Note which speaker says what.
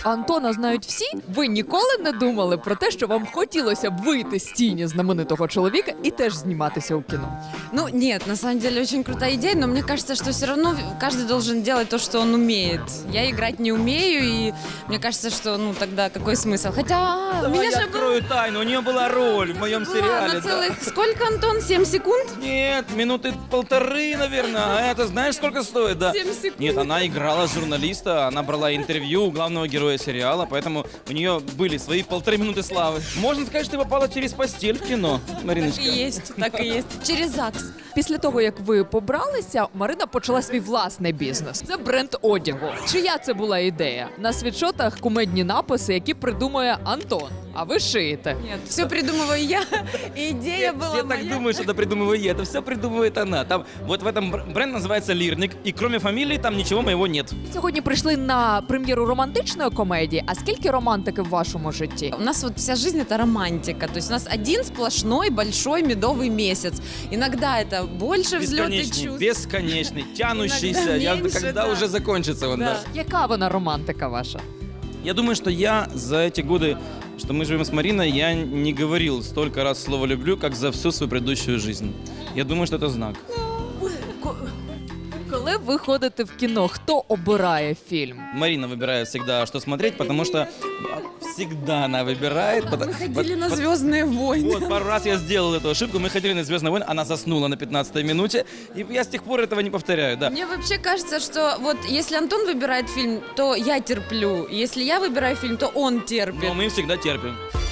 Speaker 1: Антона знають всі? Ви ніколи не думали про те, що вам хотілося б вийти з тіні знаменитого чоловіка і теж зніматися у кіно?
Speaker 2: Ну, нет, на самом деле очень крутая идея, но мне кажется, что все равно каждый должен делать то, что он умеет. Я играть не умею, и мне кажется, что, ну, тогда какой смысл? Хотя, у
Speaker 3: Давай
Speaker 2: меня
Speaker 3: я
Speaker 2: же
Speaker 3: открою тайну, у нее была роль в моем
Speaker 2: была
Speaker 3: сериале.
Speaker 2: на
Speaker 3: да.
Speaker 2: целых... Сколько, Антон? 7 секунд?
Speaker 3: Нет, минуты 1,5, наверное. А это знаешь, сколько стоит, да?
Speaker 2: 7 секунд.
Speaker 3: Нет, она играла журналиста, она брала интервью у главного героя сериала, поэтому у нее были свои 1,5 минуты славы. Можно сказать, что ты попала через постель в кино, Мариночка.
Speaker 2: Так и есть, так и есть. Через ЗАГС.
Speaker 1: Після того, як ви побралися, Марина почала свій власний бізнес. Це бренд одягу. Чия це була ідея? На світшотах кумедні написи, які придумує Антон. А ви шиєте.
Speaker 2: Нет, все придумываю я, и идея была
Speaker 3: Все
Speaker 2: моя.
Speaker 3: так думают, что это придумываю я. Это все придумывает она. Там, вот в этом бренд называется «Лирник», и кроме фамилии там ничего моего нет.
Speaker 1: Сьогодні прийшли на прем'єру романтичної комедії. А скільки романтики в вашому житті?
Speaker 2: У нас вот вся жизнь это романтика. То есть у нас один сплошной большой медовый месяц. Иногда это больше взлет и
Speaker 3: Бесконечный,
Speaker 2: чувств.
Speaker 3: бесконечный, тянущийся.
Speaker 2: Иногда меньше,
Speaker 3: Когда
Speaker 2: да.
Speaker 3: уже закончится он,
Speaker 2: Да.
Speaker 3: да.
Speaker 1: Яка вона романтика ваша?
Speaker 3: Я думаю, что я за эти годы, что мы живем с Мариной, я не говорил столько раз слово «люблю», как за всю свою предыдущую жизнь. Я думаю, что это знак.
Speaker 1: Коли ви ходите в кіно, хто обирає фільм?
Speaker 3: Марина выбирает всегда, что смотреть, потому что всегда она выбирает.
Speaker 2: Мы ходили на «Звездные войны».
Speaker 3: Вот, пару раз я сделал эту ошибку. Мы ходили на «Звездные войны», она заснула на 15-й минуте, и я с тех пор этого не повторяю, да.
Speaker 2: Мне вообще кажется, что вот если Антон выбирает фильм, то я терплю. Если я выбираю фильм, то он терпит.
Speaker 3: Но мы всегда терпим.